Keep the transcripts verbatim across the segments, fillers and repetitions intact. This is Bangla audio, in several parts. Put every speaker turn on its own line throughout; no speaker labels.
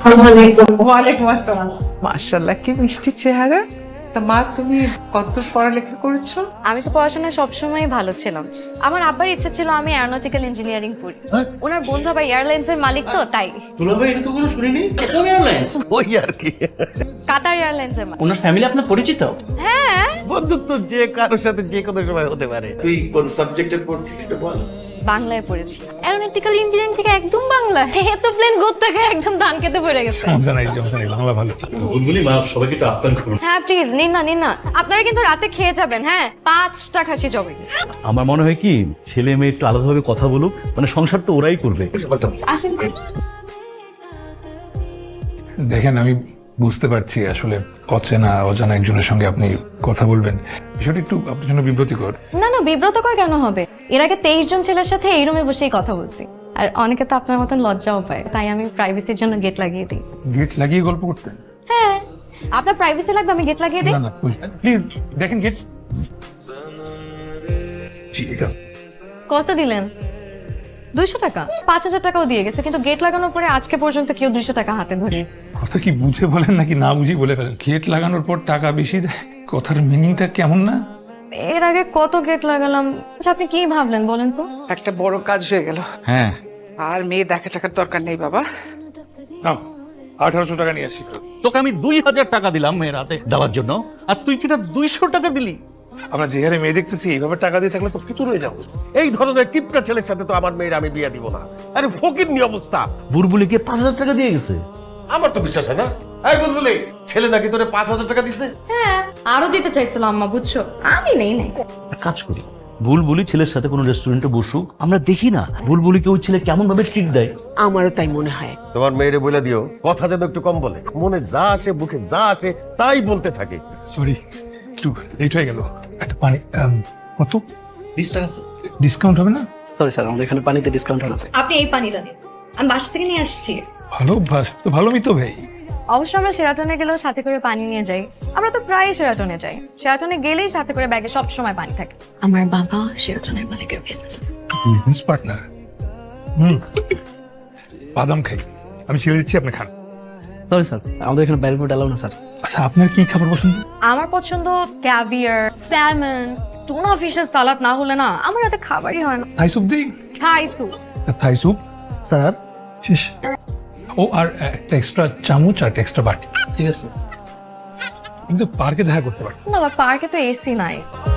ওয়ালাইকুম আসসালাম।
মাশাআল্লাহ, কি মিষ্টি চেহারা।
তা মা, তুমি কতদূর পড়ালেখা করেছো?
আমি তো পড়াশোনায় সবসময় ভালো ছিলাম। আমার আব্বার ইচ্ছা ছিল আমি অ্যারোনটিক্যাল ইঞ্জিনিয়ারিং পড়ি। ওনার বন্ধু আবার এয়ারলাইন্সের মালিক, তো তাই।
দুলাভাই, এটা তো কোনো শুনিনি। কোন এয়ারলাইন্স?
ওই আর কি,
কাতার এয়ারলাইন্সের মালিক।
ওনার ফ্যামিলি আপনার পরিচিত?
হ্যাঁ,
বন্ধুত্ব যে কারোর সাথে যে কোনো সময় হতে পারে।
তুই কোন সাবজেক্টে পড়ছিস সেটা বল।
বাংলায় পড়েছি। অ্যারোনটিক্যাল ইঞ্জিনিয়ারিং থেকে একদম বাংলা। এত প্লেন গোদ থেকে একদম ধান খেতে পড়ে গেছে।
সমস্যা নাই, সমস্যা নাই, বাংলা ভালো।
বুলবুলি মা, সবাইকে তো আপ্যায়ন করুন।
হ্যাঁ প্লিজ, নিন না নিন না। আপনারা কিন্তু রাতে খেয়ে যাবেন। হ্যাঁ, পাঁচটা খাসি জবে।
আমার মনে হয় কি, ছেলে মেয়ে একটু আলাদাভাবে কথা বলুক, মানে সংসার তো ওরাই করবে।
আসেন।
দেখেন, আমি বুঝতে পারছি আসলে অচেনা অজানা একজনের সঙ্গে আপনি কথা বলবেন, বিষয়টা একটু আপনার জন্য বিব্রতিকর।
না না, বিব্রতকর কেন হবে? এর আগে তেইশ জন ছেলের সাথে এই রুমে বসেই কথা বলছি। আর অনেকে তো আপনার মতন লজ্জাও পায়, তাই আমি প্রাইভেসির জন্য গেট লাগিয়ে দিই।
গেট লাগিয়ে গল্প করতেন?
হ্যাঁ, আপনার প্রাইভেসি লাগবে, আমি গেট লাগিয়ে দিই।
না না, প্লিজ দেখেন গেট। জি, এটা
কত দিলেন? দুইশো টাকা? পাঁচ হাজার টাকাও দিয়ে গেছে, কিন্তু গেট লাগানোর পরে আজকে পর্যন্ত কেউ দুইশো টাকা হাতে ধরে।
কথা কি বুঝে বলেন নাকি না বুঝি বলে ফেলেন? গেট লাগানোর পর টাকা বেশি দেয়, কথার মিনিংটা কেমন না?
এর আগে কত গেট লাগালাম। আচ্ছা, আপনি কি ভাবলেন বলেন তো?
একটা বড় কাজ হয়ে গেল।
হ্যাঁ,
আর মেয়ে দেখা টাকার দরকার নেই বাবা।
নাও, আঠারোশো টাকা নিয়ে আসছি।
তোকে আমি দুই হাজার টাকা দিলাম মেয়ের হাতে দেওয়ার জন্য, আর তুই কিনা দুইশো টাকা দিলি।
আমরা যে হারে মেয়ে দেখতেছি, এইভাবে টাকা দিয়ে থাকলে তো ফিতুর হয়ে যাবো।
এই ধরনের কিপটা ছেলের সাথে তো আমার মেয়ের আমি বিয়ে দিব না। আরে ফকিরনি অবস্থা।
বুলবুলিকে পাঁচ হাজার টাকা দিয়ে গেছে।
আমার তো বিশ্বাস হয় না। এই বুলবুলি, ছেলে নাকি তোরে পাঁচ হাজার টাকা দিছে?
হ্যাঁ, আরো দিতে চাইছিল আম্মা, বুঝছো? আমি নেই নাই।
এক কাজ করি, বুলবুলি ছেলের সাথে কোনো রেস্টুরেন্টে বসুক, আমরা দেখি না বুলবুলিকে ওই ছেলে কেমন ভাবে ট্রিট দেয়।
আমারও তাই মনে হয়।
তোমার মেয়েরে বলে দিও কথা যেন একটু কম বলে, মনে যা আসে মুখে যা আসে তাই বলতে থাকে।
সরি, একটু লেট হয়ে গেল। একটা পানি, আম, কত
বিশ টাকা স্যার।
ডিসকাউন্ট হবে না?
সরি স্যার, আমাদের এখানে পানিতে ডিসকাউন্ট আছে।
আপনি এই পানিটা নিন, আমি বাসা থেকে নিয়ে আসছি।
ভালো অভ্যাস তো, ভালো মিতো ভাই।
অবশ্য আমরা সেরাটনে গেলেও সাথে করে পানি নিয়ে যাই। আমরা তো প্রায় সেরাটনে যাই। সেরাটনে গেলেই সাথে করে ব্যাগে সব সময় পানি থাকে। আমার বাবা সেরাটনের মালিকের বিজনেস।
Business partner? হুম, বাদাম খাই, আমি ছেড়ে দিচ্ছি, আপনি খান।
সরি স্যার, আমাদের এখানে বাইরে ফুড অ্যালাউ না স্যার।
আচ্ছা, আপনার কি খাবার পছন্দ?
আমার পছন্দ ক্যাভিয়ার, স্যালমন, টুনা ফিশের সালাদ না হলে না আমার রাতে খাবারই হয় না।
থাই স্যুপ দিই?
Thai soup.
Thai soup
sir
শেষ। ও, আর একটা এক্সট্রা চামচ আর একটা এক্সট্রা বাটি।
ঠিক আছে।
কিন্তু পার্কে দেখা করতে পারি।
না, আমার পার্কে তো এসি নাই।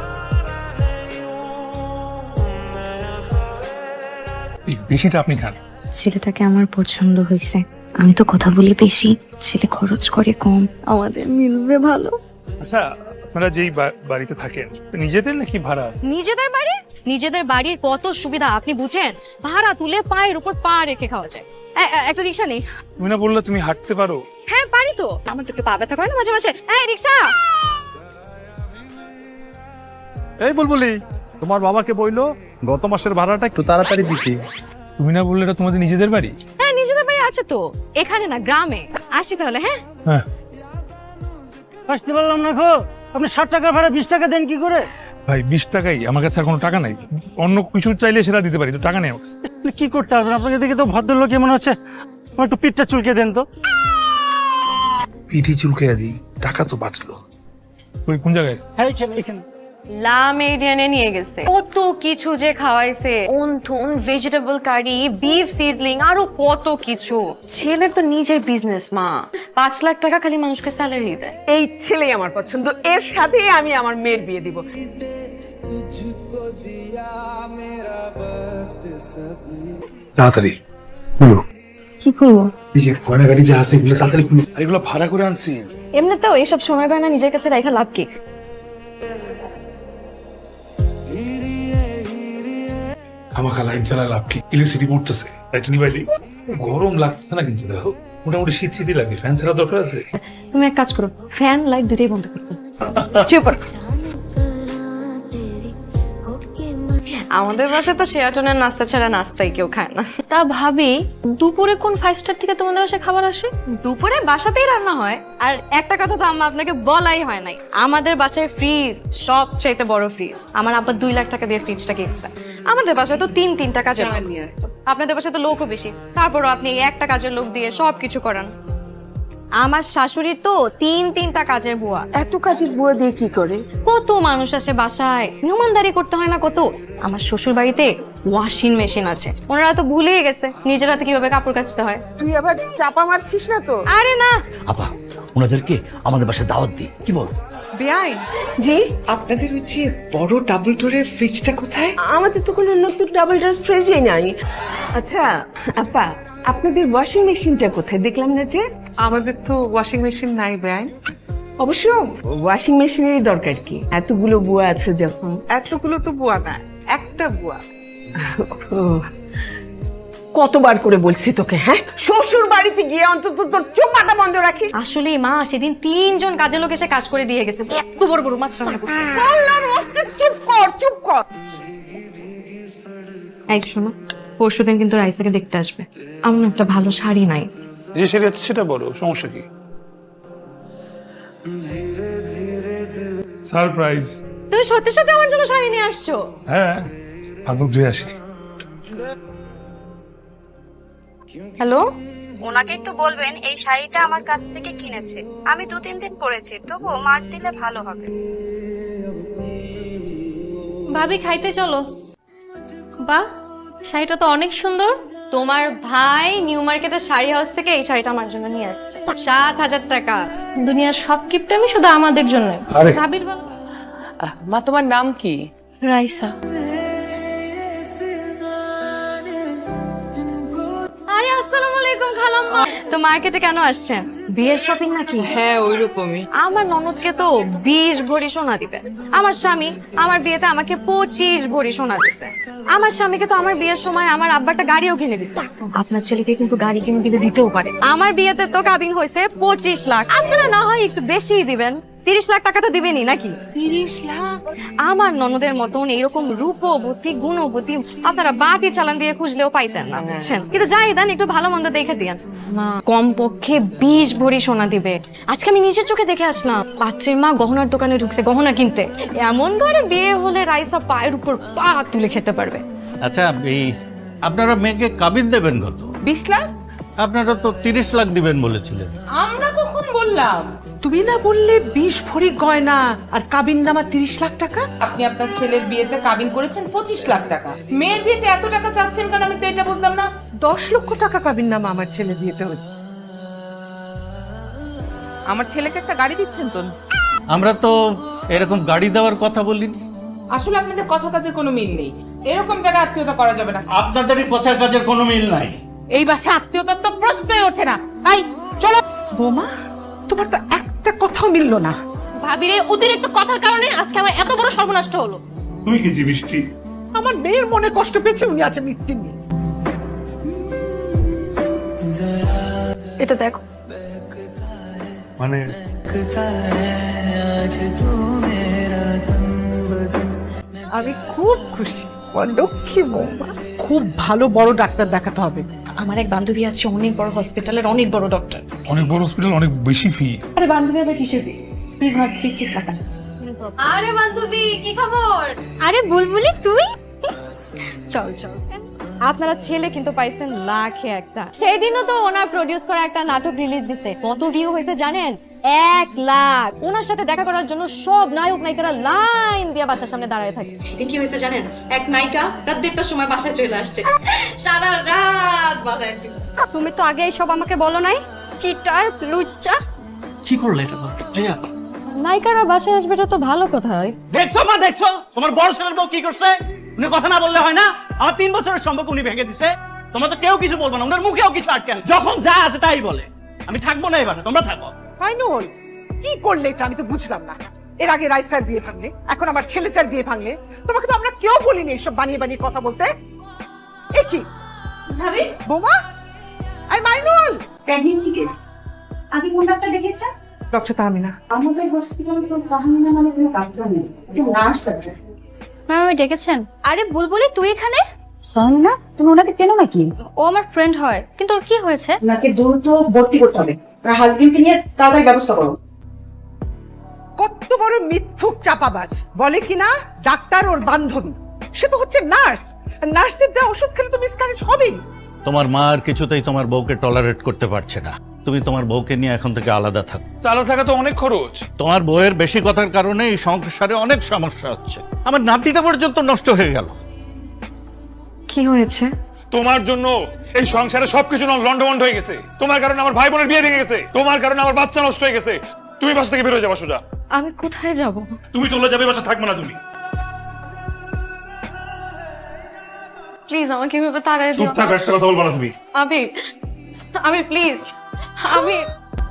এই বেশিটা আপনি খান।
ছেলেটাকে আমার পছন্দ হয়েছে। আমি তো কথা বলি বেশি, ছেলে খরচ করে কম, আমাদের মিলবে ভালো।
আচ্ছা, আপনারা যেই বা- বাড়িতে থাকেন নিজেদের নাকি ভাড়া?
নিজেদের বাড়ি? নিজেদের বাড়ির কত সুবিধা আপনি বুঝেন? ভাড়া তুলে পায়ের উপর পা রেখে খাওয়া যায়। এ- এ- একটা রিক্সা নেই?
তুমি না বললে তুমি হাঁটতে পারো?
হ্যাঁ পারি তো, আমার তো একটু পা ব্যথা করে না মাঝে মাঝে। এই রিক্সা!
এই বুলবুলি, তোমার বাবাকে বইলো গত মাসের ভাড়াটা একটু তাড়াতাড়ি দিতে।
তুমি না বললে এটা তোমাদের নিজেদের বাড়ি?
হ্যাঁ, নিজেদের বাড়ি আছে তো, এখানে না গ্রামে। আসি তাহলে। হ্যাঁ,
হ্যাঁ।
আসতে পারলাম না খো, আপনি ষাট টাকা ভাড়া বিশ টাকা দেন কি করে?
ভাই, বিশ টাকাই, আমার কাছে আর কোনো টাকা নাই। অন্য কিছু চাইলে সেটা দিতে পারি, তো টাকা নেই আমার কাছে।
কি করতে হবে আপনাকে দেখে তো ভদ্রলোক মনে হচ্ছে। আমার একটু পিঠটা চুলকে দেন তো।
পিঠি চুলকাইয়া দিই, টাকা তো বাঁচলো। ওই কোন জায়গায়?
হ্যাঁ, এখানে এখানে।
লা মেডিয়ানে নিয়ে গেছে। কত কিছু যে খাওয়াইছে, wonton, vegetable curry, beef sizzling, আরো কত কিছু। ছেলের তো নিজের বিজনেস মা, পাঁচ লাখ টাকা খালি মানুষকে স্যালারি দেয়।
এই ছেলেই আমার পছন্দ, এর সাথেই আমি আমার মেয়ের বিয়ে দিব।
তাড়াতাড়ি খুলো।
কি করবো?
এই যে গয়না গাড়ি যা আছে এগুলো তাড়াতাড়ি খুলো। আর এগুলো ভাড়া করে আনছি।
এমনিতেও এইসব সময় গয়না নিজের কাছে রাখা লাভ কি?
আমাকে লাইট জ্বালা লাভ কি? ইলেকট্রিসিটি পড়তেছে, লাইট নিবাইলি। গরম লাগছে না কিন্তু, দেখো মোটামুটি শীত শীতই লাগে। ফ্যান ছাড়া দরকার আছে?
তুমি এক কাজ করো, ফ্যান লাইট দুটোই বন্ধ করো। চুপ করো। আমাদের বাসায় তো শেরাটনের নাস্তা ছাড়া নাস্তাই কেউ খায় না। তা ভাবি, দুপুরে কোন ফাইভ স্টার থেকে তোমাদের বাসায় খাবার আসে? দুপুরে বাসাতেই রান্না হয়। আর একটা কথা তো আম্মা আপনাকে বলাই হয় নাই, আমাদের বাসায় ফ্রিজ, সবচাইতে বড় ফ্রিজ। আমার আব্বা দুই লাখ টাকা দিয়ে ফ্রিজটা কিনছে। আমাদের বাসায় তো তিন তিনটা কাজের লোক। আপনাদের বাসায় তো লোকও বেশি, তারপরও আপনি একটা কাজের লোক দিয়ে সবকিছু করান। আমার শাশুড়ি তো তিন তিনটা কাজের বুয়া।
এত কাজের বুয়া দিয়ে কি করে?
কত মানুষ আসে বাসায়, মেহমানদারি করতে হয় না কত। আমার শ্বশুর বাড়িতে ওয়াশিং মেশিন আছে, ওনারা তো ভুলেই গেছে নিজের হাতে কিভাবে কাপড় কাচতে হয়।
তুই আবার চাপা মারছিস না তো?
আরে না,
আপা ওনাদেরকে আমাদের বাসায় দাওয়াত দিই, কি বল?
বেআই,
জি,
আপনাদের ওই যে বড় ডাবল ডোরের ফ্রিজটা কোথায়?
আমাদের তো কোনো নতুন ডাবল ডোর ফ্রিজই নাই। আচ্ছা আপা, আপনাদের ওয়াশিং মেশিনটা কোথায়? দেখলাম না যে।
আমাদের তো ওয়াশিং মেশিন নাই বেআই।
অবশ্য ওয়াশিং মেশিনেরই দরকার কি, এতগুলো বুয়া আছে যখন।
এতগুলো তো বুয়া না, একটা বুয়া।
ও, কতবার করে বলছি তোকে, হ্যাঁ শ্বশুর বাড়িতে গিয়ে অন্তত তোর চোপাটা বন্ধ রাখিস।
আসলে মা সেদিন তিনজন কাজের লোক এসে কাজ করে দিয়ে গেছে, এত বড় বড় মাছ রান্না করছে।
আল্লাহর ওয়াস্তে চুপ কর, চুপ কর।
এই শোনো, পরশুদিন কিন্তু রাইসাকে দেখতে আসবে। আমার একটা ভালো শাড়ি নাই।
যে সেটা সেটা বলো, সমস্যা কি? সারপ্রাইজ।
তুমি সত্যি সত্যি আমার জন্য শাড়ি নিয়ে আসছো?
হ্যাঁ, আদৌ ধুয়ে আসি।
হ্যালো,
ওনাকে একটু বলবেন এই শাড়িটা আমার কাছ থেকে কিনেছে, আমি দু তিন দিন পরেছি, তবুও মার দিলে ভালো হবে।
ভাবি খাইতে চলো। বাহ, শাড়িটা তো অনেক সুন্দর। তোমার ভাই নিউ মার্কেটের শাড়ি হাউস থেকে এই শাড়িটা আমার জন্য নিয়ে আসছে, সাত হাজার টাকা। দুনিয়ার সব গিফট আমি শুধু আমাদের জন্য।
আরে।
ভাবির বল।
মা, তোমার নাম কি?
রাইসা। আরে আসসালামু আলাইকুম খালাম্মা। তো মার্কেটে কেন আসছেন? বিয়ের শপিং নাকি?
হ্যাঁ, ওইরকমই।
আমার ননদকে তো বিশ ভরি সোনা দিবে। আমার স্বামী আমার বিয়েতে আমাকে পঁচিশ ভরি সোনা দিছে। আমার স্বামীকে তো আমার বিয়ের সময় আমার আব্বাটা গাড়িও কিনে দিছে। আপনার ছেলেকে কিন্তু গাড়ি কিনে দিলে দিতেও পারে। আমার বিয়েতে তো কাবিন হয়েছে পঁচিশ লাখ। আপনারা না হয় একটু বেশিই দিবেন, তিরিশ লাখ টাকা তো দিবেনই নাকি?
তিরিশ লাখ?
আমার ননদের মতন এরকম রূপবতী গুণবতী আপনারা বাটি চালান দিয়ে খুঁজলেও পাইতেন না, বুঝছেন? কিন্তু যাই দেন, একটু ভালো মন্দ দেখে দিয়েন। মা কম পক্ষে বিশ ভরি সোনা দিবে। আজকে আমি নিজের চোখে দেখে আসলাম, পাত্রীর মা গহনার দোকানে ঢুকছে গহনা কিনতে। এমন ঘরে বিয়ে হলে রাইসা পায়ের উপর পা তুলে খেতে পারবে।
আচ্ছা, এই আপনারা মেয়েকে কাবিন দেবেন কত?
বিশ লাখ?
আপনারা তো তিরিশ লাখ দিবেন বলেছিলেন।
আমরা কখন বললাম? তুমি না বললে বিশ ভরি গয়না আর কাবিন নামা তিরিশ লাখ টাকা? আপনি আপনার ছেলের বিয়েতে কাবিন করেছেন পঁচিশ লাখ টাকা, মেয়ের বিয়েতে এত টাকা চাচ্ছেন কেন? আমি তো এটা বুঝলাম না। দশ লক্ষ টাকা কাবিন নামা আমার ছেলের বিয়েতে হয়েছে। আমার ছেলেকে একটা গাড়ি দিচ্ছেন তো?
আমরা তো এরকম গাড়ি দেওয়ার কথা বলিনি।
আসলে আপনাদের কথা কাজের কোনো মিল নেই, এরকম জায়গায় আত্মীয়তা করা যাবে না।
আপনাদেরই কথা কাজের কোনো মিল নাই।
এই বাসায় আত্মীয়তার তো প্রশ্নই ওঠে না। এই চলো। বোমা, তোমার তো একটা কথাও মিললো না।
ভাবিরে অতিরিক্ত কথার কারণে আজকে আমার এত বড় সর্বনাশ হলো।
তুই কি জি মিষ্টি?
আমার মেয়ের মনে কষ্ট পেয়েছে, উনি আছে মিথ্যে নিয়ে।
এটা দেখো,
মানে
আমি খুব খুশি, লক্ষ্মী বৌমা। খুব ভালো বড় ডাক্তার দেখাতে হবে।
আমার এক বান্ধবী আছে অনেক বড় হসপিটালের অনেক বড় ডক্টর।
অনেক বড় হসপিটাল, অনেক বেশি ফি।
আরে বান্ধবী আবার কিসের ফি? প্লিজ না, প্লিজ টিস টাকা। আরে বান্ধবী কি খবর? আরে বুলবুলি তুই? চল চল। আপনারা ছেলে কিন্তু পাইছেন লাখে একটা। সেই দিনও তো ওনার প্রডিউস করা একটা নাটক রিলিজ দিছে, কত ভিউ হয়েছে জানেন? এক লাখ। ওনার সাথে দেখা করার জন্য সব নায়ক নায়িকারা লাইন দিয়ে বাসার সামনে দাঁড়ায় থাকে। সেদিন কি হয়েছে জানেন? এক নায়িকা রাত দেড়টার সময় বাসায় চলে আসছে, সারা রাত বাসায় ছিল।
তুমি তো আগে সব আমাকে বলো নাই, চিটার লুচ্চা।
কি করলে এটা ভাইয়া?
নায়িকারা বাসায় আসবে, এটা তো ভালো কথা।
দেখছো মা, দেখছো তোমার বড় ছেলের বউ কি করছে? উনি কথা না বললে হয় না? আমার তিন বছরের সম্পর্ক উনি ভেঙে দিছে। তোমরা তো কেউ কিছু বলবো না, ওনার মুখেও কিছু আটকেন। যখন যা আছে তাই বলে। আমি থাকবো না এবার, তোমরা থাকো।
ফাইনুল, কি করলে এটা? আমি তো বুঝলাম না। এর আগে রাইসার বিয়ে ভাঙলে, এখন আমার ছেলেটার বিয়ে ভাঙলে। তোমাকে তো আমরা কেউ বলিনি এইসব বানিয়ে বানিয়ে কথা বলতে। এ কি
ভাবি?
বোমা, আই মাইনুল।
প্রেগন্যান্সি কিডস আগে কোন ডাক্তার দেখেছেন?
ডক্টর তাহমিনা।
আমাদের হসপিটালে তো তাহমিনা মানে কোনো ডাক্তার নেই, যে নার্স আছে।
ম্যাম আমি ডেকেছেন? আরে বুলবুলি তুই এখানে?
তাহমিনা, তুমি ওনাকে চেনো নাকি?
ও আমার ফ্রেন্ড হয়, কিন্তু ওর কি হয়েছে?
ওনাকে দ্রুত ভর্তি করতে হবে, আর হাজবেন্ডকে নিয়ে তাড়াতাড়ি ব্যবস্থা করো।
কত বড় মিথ্যুক চাপাবাজ! বলে কিনা ডাক্তার ওর বান্ধবী, সে তো হচ্ছে নার্স। নার্সের দেওয়া ওষুধ খেলে তো মিসক্যারেজ হবেই।
তোমার মা আর কিছুতেই তোমার বউকে টলারেট করতে পারছে না। তুমি তোমার বউকে নিয়ে এখন থেকে আলাদা থাকো।
চালা থাকা তো অনেক খরচ।
তোমার বউয়ের বেশি কথার কারণে এই সংসারে অনেক সমস্যা হচ্ছে। আমার নাতিটা পর্যন্ত নষ্ট হয়ে গেল।
কি হয়েছে?
তোমার জন্য এই সংসারে সবকিছু লন্ডভন্ড হয়ে গেছে। তোমার কারণে আমার ভাই বোনের বিয়ে ভেঙে গেছে। তোমার কারণে আমার বাচ্চা নষ্ট হয়ে গেছে। তুমি বাসা থেকে বের হয়ে যাবা সোজা।
আমি কোথায় যাব?
তুমি চলে যাবে, বাসা থাকবে না তুমি।
প্লিজ আমাকে এভাবে তাড়াই দিও
চুপ থাকো, একটা কথা বলবা না তুমি।
আবির, আবির প্লিজ, আবির।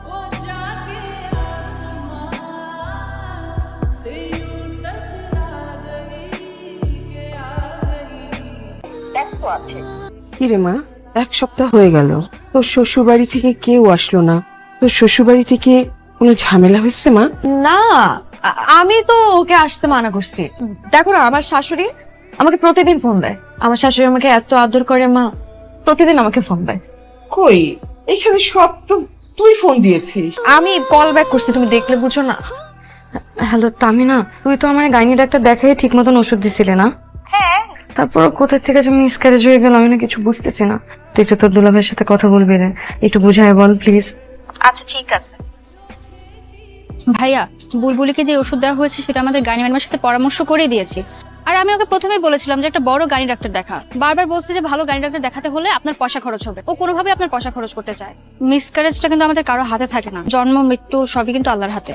কি রে মা, এক সপ্তাহ হয়ে গেল তোর শ্বশুর বাড়ি থেকে কেউ আসলো না। তোর শ্বশুর বাড়ি থেকে কোনো ঝামেলা হয়েছে মা?
না, আ- আমি তো ওকে আসতে মানা করছি। দেখো না, আমার শাশুড়ি আমাকে প্রতিদিন ফোন দেয়। আমার শাশুড়ি আমাকে এত আদর করে মা, প্রতিদিন আমাকে ফোন দেয়।
কই, এখানে সব তো তুই ফোন দিয়েছিস।
আমি কল ব্যাক করছি, তুমি দেখলে বুঝো না।
হ্যালো তামিনা, তুই তো আমার গাইনি ডাক্তার দেখাই ঠিক মতন ওষুধ দিছিলে না? হ্যাঁ। তারপর কোথা থেকে যে মিসক্যারেজ হয়ে গেল আমি না কিছু বুঝতেছি না। তুই একটু তোর দুলাভাইয়ের সাথে কথা বলবি রে, একটু বুঝায় বল প্লিজ।
আচ্ছা ঠিক আছে। ভাইয়া, বুলবুলিকে যে ওষুধ দেওয়া হয়েছে সেটা আমাদের গাইনি ম্যাডামের সাথে পরামর্শ করে দিয়েছি। আর আমি ওকে প্রথমেই বলেছিলাম যে একটা বড় গাইনি ডাক্তার দেখা। বারবার বলছে যে ভালো গাইনি ডাক্তার দেখাতে হলে আপনার পয়সা খরচ হবে। ও কোনোভাবে আপনার পয়সা খরচ করতে চায়। মিসক্যারেজটা কিন্তু আমাদের কারো হাতে থাকে না। জন্ম মৃত্যু সবই কিন্তু আল্লাহর হাতে।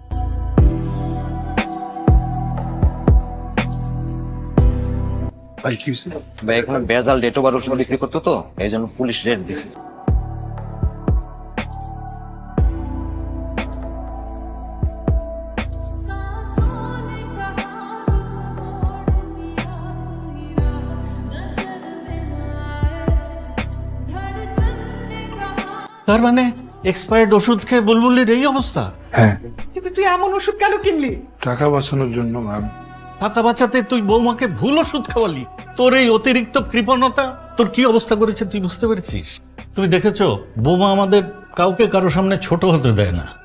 ভাই কি হয়েছে?
ভাই এখানে বেজাল ডেটো বার ওষুধ বিক্রি করতো তো, এই জন্য পুলিশ রেড দিছে।
তার মানে এক্সপায়ার্ড ওষুধ খেয়ে বুলবুলির এই অবস্থা?
হ্যাঁ,
কিন্তু তুই এমন ওষুধ কেন কিনলি?
টাকা বাঁচানোর জন্য ম্যাম।
টাকা বাঁচাতে তুই বৌমাকে ভুল ওষুধ খাওয়ালি। তোর এই অতিরিক্ত কৃপণতা তোর কি অবস্থা করেছে তুই বুঝতে পেরেছিস? তুমি দেখেছো বৌমা আমাদের কাউকে কারো সামনে ছোট হতে দেয় না।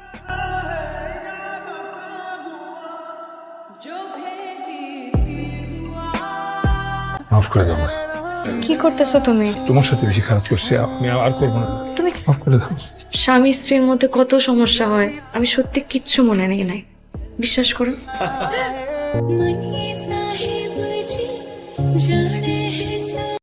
মাফ করে দাও।
কি করতেছো তুমি?
তোমার সাথে বেশি খারাপ করছি, আমি আর করবো না।
তুমি
মাফ করে দাও।
স্বামী স্ত্রীর মধ্যে কত সমস্যা হয় আমি সত্যি কিচ্ছু মনে নেই নাই, বিশ্বাস করো।